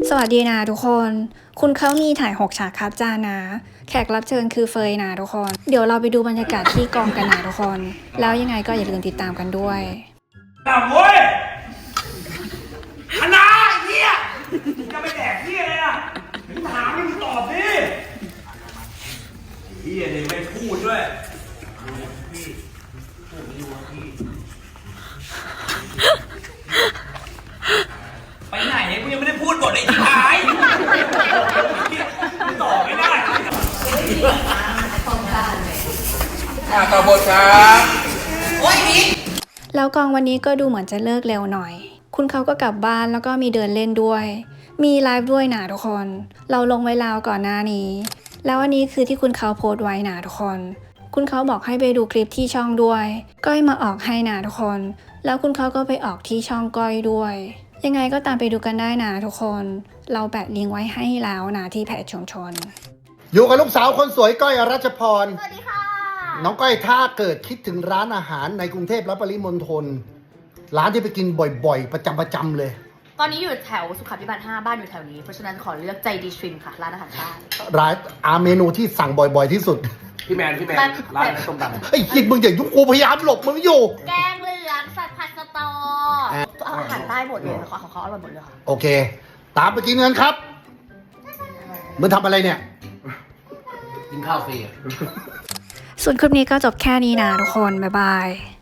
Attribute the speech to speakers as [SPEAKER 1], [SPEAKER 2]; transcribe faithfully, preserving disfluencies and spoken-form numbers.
[SPEAKER 1] สวัสดีนะทุกคน คุณเขามีถ่ายหกฉากครับจ้านะ แขกรับเชิญคือเฟยนะทุกคน เดี๋ยวเราไปดูบรรยากาศที่กองกันนะทุกคน แล้วยังไงก็อย่าลืมติดตามกันด้วย
[SPEAKER 2] ตามเว้ยคณะเฮียจะไปแดกเฮียอะไรอ่ะมึงถามมึงตอบดิเฮียเนี่ยไม่พูดด้วยพี่พูดไม่รู้พี่ไปไหนกูยังไม่ได้พูดบทไอ้ที่หายตอบไม่ได้อ่าต่อบทครับโอ้ยพี่
[SPEAKER 1] แล้วกองวันนี้ก็ดูเหมือนจะเลิกเร็วหน่อย คุณเขาก็กลับบ้านแล้วก็มีเดินเล่นด้วย มีไลฟ์ด้วยนะทุกคน เราลงไว้แล้วก่อนหน้านี้ แล้วอันนี้คือที่คุณเขาโพสต์ไว้นะทุกคน คุณเขาบอกให้ไปดูคลิปที่ช่องด้วย ก้อยมาออกให้นะทุกคน แล้วคุณเขาก็ไปออกที่ช่องก้อยด้วย ยังไงก็ตามไปดูกันได้นะทุกคน เราแปะลิงก์ไว้ให้แล้วนะที่เพจชุมชน
[SPEAKER 3] อยู่กับลูกสาวคนสวยก้อยอรัชพร
[SPEAKER 4] สวัสดีค่ะ
[SPEAKER 3] น้องก้อยถ้าเกิดคิดถึงร้านอาหารในกรุงเทพและปริมณฑลร้านที่ไปกินบ่อยๆ ประจำประจำเลย
[SPEAKER 4] ตอนนี้อยู่แถวสุขาภิบาลห้าบ้านอยู่แถวนี้ เพราะฉะนั้นขอเลือกใจดีทริมค่ะ ร้านอาหารใต้
[SPEAKER 3] ร้านอาเมนูที่สั่งบ่อยๆที่สุด
[SPEAKER 2] พี่แมนพี่แมนร้านส้มตำ
[SPEAKER 3] ไอ้คิดมึงอย่ายุ่งกูพยายามหลบมึงอยู่
[SPEAKER 4] แกงเหลืองสัตว์ผัดสตออาหารใต้หมดเลยค่ะของเขาอร่อยหมดเลยค่ะ
[SPEAKER 3] โอเค ตามไปกินเงินครับมึงทำอะไรเนี่ย
[SPEAKER 2] กินข้าวฟรี
[SPEAKER 1] ส่วนคลิปนี้ก็จบแค่นี้นะทุกคน บ๊ายบาย